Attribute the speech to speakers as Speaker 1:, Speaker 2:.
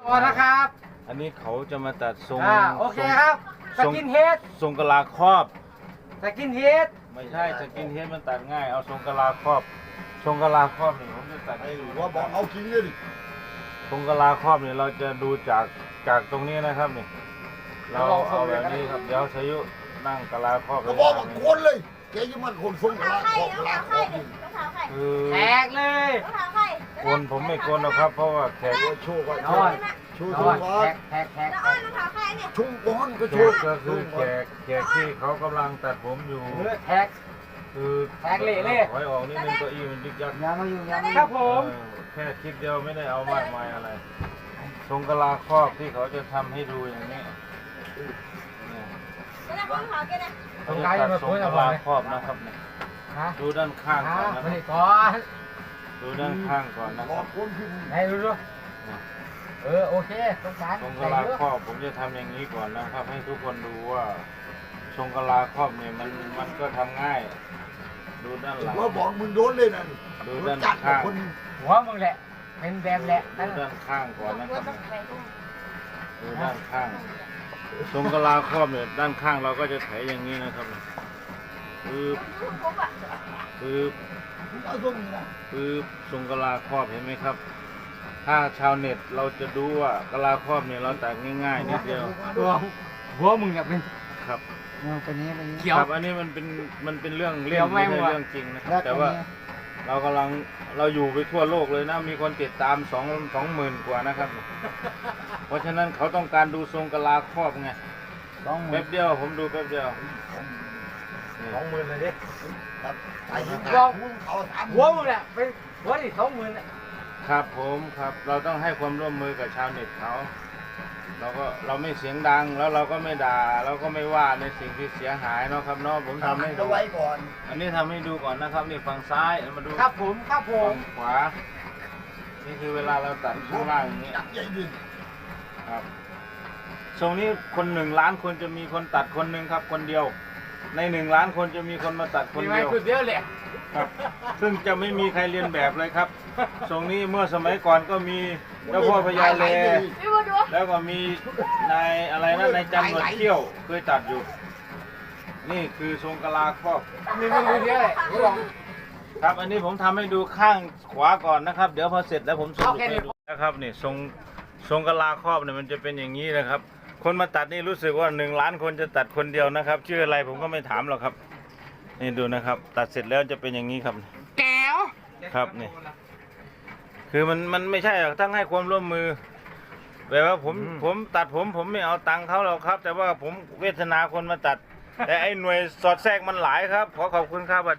Speaker 1: พอนะครับ
Speaker 2: อันนี้เขาจะมาตัดทรง
Speaker 1: โอเคครับสกินเฮด
Speaker 2: ทรงกะลาครอบ
Speaker 1: สกินเฮด
Speaker 2: ไม่ใช่สกินเฮดมันตัดง่ายเอาทรงกะลาครอบทรงกะลาครอบนี่ผมจะตัดให้ดู
Speaker 3: ว่าบอกเอากินเลยดิ
Speaker 2: ทรงกะลาครอบนี่เราจะดูจากตรงนี้นะครับนี่เราเอาแบบนี้ครับเดี๋ยวสายุนั่งกะลาครอบ
Speaker 3: ก็บอกว่าคนเลยแกยังมันคนทรงก
Speaker 4: เท้า
Speaker 3: ลา
Speaker 4: ไข่
Speaker 3: ขอบ
Speaker 4: รอง
Speaker 3: ลา
Speaker 4: เท้า
Speaker 3: ขอ
Speaker 4: ไข่
Speaker 3: บ
Speaker 4: ดิรองเท้าไข่
Speaker 2: คือ
Speaker 1: แตกเลย
Speaker 4: รองเท้าไข่
Speaker 2: ผมไม่โกนหรอกครับเพราะว่าแขก
Speaker 3: โชว์ไว้
Speaker 1: นอน
Speaker 3: โชว์
Speaker 1: น
Speaker 3: โช
Speaker 1: อน
Speaker 3: ว์ก่อ
Speaker 1: แท็
Speaker 3: น
Speaker 1: กแท็ก
Speaker 4: แล้วอ้อนรองเท้าไข่เนี่ย
Speaker 3: ชุ่มก้อนก็
Speaker 2: แข
Speaker 3: โชว์
Speaker 2: กก็คือแขกที่เขากำลังตัดผมอยู่
Speaker 1: แท็ก
Speaker 2: คือ
Speaker 1: แขกเละ
Speaker 2: ถอยออกนิดนึงเก้าอี้มันยึกยัก
Speaker 1: อย่ามาอยู่อย่ามาครับผม
Speaker 2: แค่คลิปเดียวไม่ได้เอามากมายอะไรทรงกะลาครอบที่เขาจะทำให้ดูอย่างนี้เนี่ย
Speaker 4: แล้วรองเท้าแกนะ
Speaker 2: เขาจะตัดทรงกะลาครอบนะครับเนี่ย
Speaker 1: ฮะ
Speaker 2: ดูด้านข้างก่อนนะค
Speaker 1: มา
Speaker 2: รับ
Speaker 1: ดิก่อน
Speaker 2: ดูด้านข้างก่อนนะ
Speaker 3: ข
Speaker 2: ค
Speaker 3: อ
Speaker 2: รั
Speaker 3: บบ คุณพี่
Speaker 1: ไหนดูดูโอเคสงสาร
Speaker 2: ทรง
Speaker 1: ใส่
Speaker 2: กะลา
Speaker 1: เยอะ
Speaker 2: ครอบผมจะทำอย่างนี้ก่อนนะครับ ให้ทุกคนดูว่าทรงกะลาครอบเนี่ยมันก็ทำง่าย ดูด้านหลัง
Speaker 3: ว่าบอกมึงโดนเลยนะ
Speaker 2: ดูด้าน
Speaker 3: จัดกับ
Speaker 2: ข้าง
Speaker 3: คน
Speaker 1: หัวมึงแหละเป็นแบบแหละ
Speaker 2: ดูด้านข้างก่อนนะครับ
Speaker 4: ต้องไปตรง
Speaker 2: ดูด้านข้างทรงกะลาครอบเนี่ยด้านข้างเราก็จะไถอย่างนี้นะครับปึ๊บ
Speaker 4: ปุ๊บอ่ะ
Speaker 2: ปึ๊บ
Speaker 3: เอาตรงนี้นะ
Speaker 2: ปึ๊บทรงกะลาครอบเห็นไหมครับ ถ้าชาวเน็ตเราจะดูว่ากะลาครอบเนี่ยเราตัดง่ายๆนิดเดียว
Speaker 1: หัวมึงเนี่ยเป็น
Speaker 2: ครับ
Speaker 1: เป็นนี้เป็นนี้
Speaker 2: ค
Speaker 1: เขียว
Speaker 2: รับอันนี้มันเป็นเรื่อง
Speaker 1: เดี๋
Speaker 2: เล่
Speaker 1: ย
Speaker 2: น
Speaker 1: วไม่
Speaker 2: ไม่ใช่
Speaker 1: หมด
Speaker 2: เรื่องจริงนะครับแต่ว่าเราอยู่ไปทั่วโลกเลยนะมีคนติดตาม20,000 กว่านะครับ เพราะฉะนั้นเขาต้องการดูทรงกะลาครอบไง
Speaker 1: 20,000
Speaker 2: แป๊บเดียวผมดูแป๊บเดียวนี่
Speaker 1: 20,000เลยดิ
Speaker 3: ครับไอ้ที่
Speaker 1: ว่า
Speaker 3: เอาถาม
Speaker 1: หัวมึงเนี่ยเป็นหัวที่20,000อ่ะ
Speaker 2: ครับผมครับเราต้องให้ความร่วมมือกับชาวเน็ตเขาเราไม่เสียงดังแล้วเราก็ไม่ด่าเราก็ไม่ว่าในสิ่งที่เสียหายเนาะครับเนาะผมทำให้ดู
Speaker 3: เอาไว้ก่อน
Speaker 2: อันนี้ทำให้ดูก่อนนะครับนี่ฝั่งซ้ายเอามาดู
Speaker 1: ครับผมครับผ
Speaker 2: ฝั่
Speaker 1: ม
Speaker 2: งขวานี่คือเวลาเราตัดข้างล่างอย่างนี้
Speaker 3: จับใหญ่ดิ
Speaker 2: ครับทรงนี้คน1,000,000 คนจะมีคนตัดคนหนึ่งครับ คนเดียว ใน1,000,000 คนจะมีคนมาตัดคน
Speaker 1: มีไหม
Speaker 2: เดียว
Speaker 1: คือเดียวแหละ
Speaker 2: ครับ ซึ่งจะไม่มีใครเรียนแบบเลยครับทรงนี้เมื่อสมัยก่อนก็มีเจ้าพ่อพญาเล
Speaker 4: พี่มาดู
Speaker 2: แล้วก็มีนายอะไรนะนายจันหนวดเขี้ยวเคยตัดอยู่ นี่คือทรงกะลาครอบ
Speaker 1: มีคือเดียวแหละรู้หรอ
Speaker 2: ครับ อันนี้ผมทำให้ดูข้างขวาก่อนนะครับ เดี๋ยวพอเสร็จแล้วผมสรุปให้ดูนะครับนี่ทรงกะลาครอบเนี่ยมันจะเป็นอย่างนี้นะครับ คนมาตัดนี่รู้สึกว่า1,000,000 คนจะตัดคนเดียวนะครับ ชื่ออะไรผมก็ไม่ถามหรอกครับ นี่ดูนะครับ ตัดเสร็จแล้วจะเป็นอย่างนี้ครับ
Speaker 1: แก้ว
Speaker 2: ครับนี่คือมันไม่ใช่หรอกต้องให้ความร่วมมือแบบว่าผมตัดผมไม่เอาตังค์เขาหรอกครับ แต่ว่าผมเวทนาคนมาตัด แต่ไอ้หน่วยสอดแทรกมันหลายครับขอขอบคุณครับ